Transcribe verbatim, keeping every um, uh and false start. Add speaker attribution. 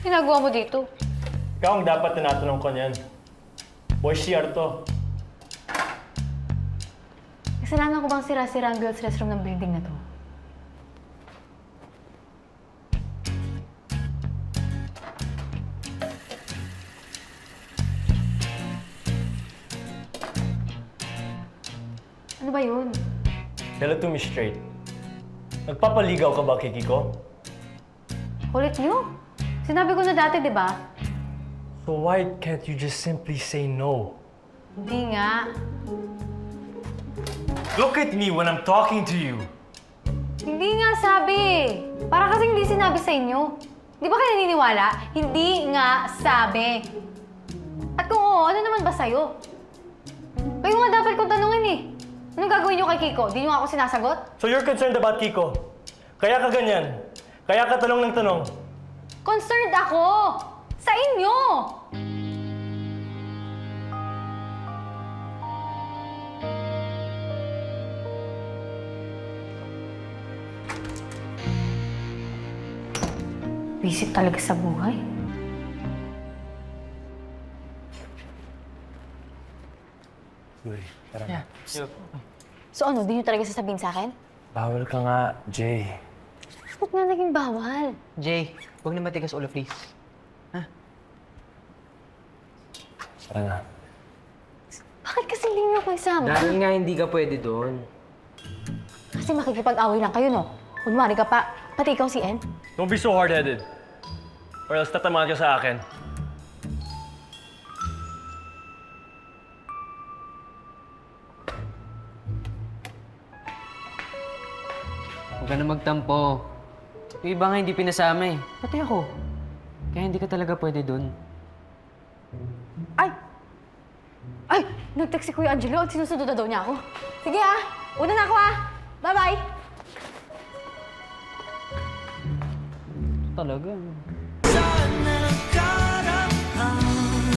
Speaker 1: ginagawa mo dito?
Speaker 2: Ikaw ang dapat tinatanong ko niyan. Boy, C R to.
Speaker 1: Kasalanan ko bang sira-sira ang girls' restroom ng building na to? Ano ba yun?
Speaker 2: Tell it to me straight. Nagpapaligaw ka ba, Kikiko?
Speaker 1: Kulit niyo? Sinabi ko na dati, di ba?
Speaker 2: So why can't you just simply say no?
Speaker 1: Hindi nga.
Speaker 2: Look at me when I'm talking to you.
Speaker 1: Hindi nga sabi. Para kasing hindi sinabi sa inyo. Di ba kayo naniniwala? Hindi nga sabi. At kung oo, ano naman ba sa'yo? Kayo nga dapat kong tanungin eh. Anong gagawin niyo kay Kiko? Di niyo nga ako sinasagot?
Speaker 2: So you're concerned about Kiko? Kaya ka ganyan? Kaya ka tanong ng tanong?
Speaker 1: Concerned ako! Sa inyo! Visit talaga sa buhay.
Speaker 2: Uy, tara na.
Speaker 1: So ano, di niyo talaga sasabihin sa akin?
Speaker 2: Bawal ka nga, Jay.
Speaker 1: Ba't nga naging bawal?
Speaker 3: Jay, huwag na matigas ulo, please.
Speaker 2: Tara na.
Speaker 1: Bakit kasi hindi niyo ako isama?
Speaker 3: Dahil nga hindi ka pwede doon.
Speaker 1: Kasi makikipag-away lang kayo, no? Kunwari ka pa, pati ikaw si En.
Speaker 2: Don't be so hard-headed. Or else tatamaan ka sa akin.
Speaker 3: Huwag ka na magtampo. Yung iba nga hindi pinasama eh. Pati ako. Kaya hindi ka talaga pwede doon.
Speaker 1: Ay! Ay! Nag-text si Kuya Angelo at sinusunod na daw niya ako. Sige ah! Una na ako ah! Bye-bye!
Speaker 3: Talaga.
Speaker 4: Sana nagka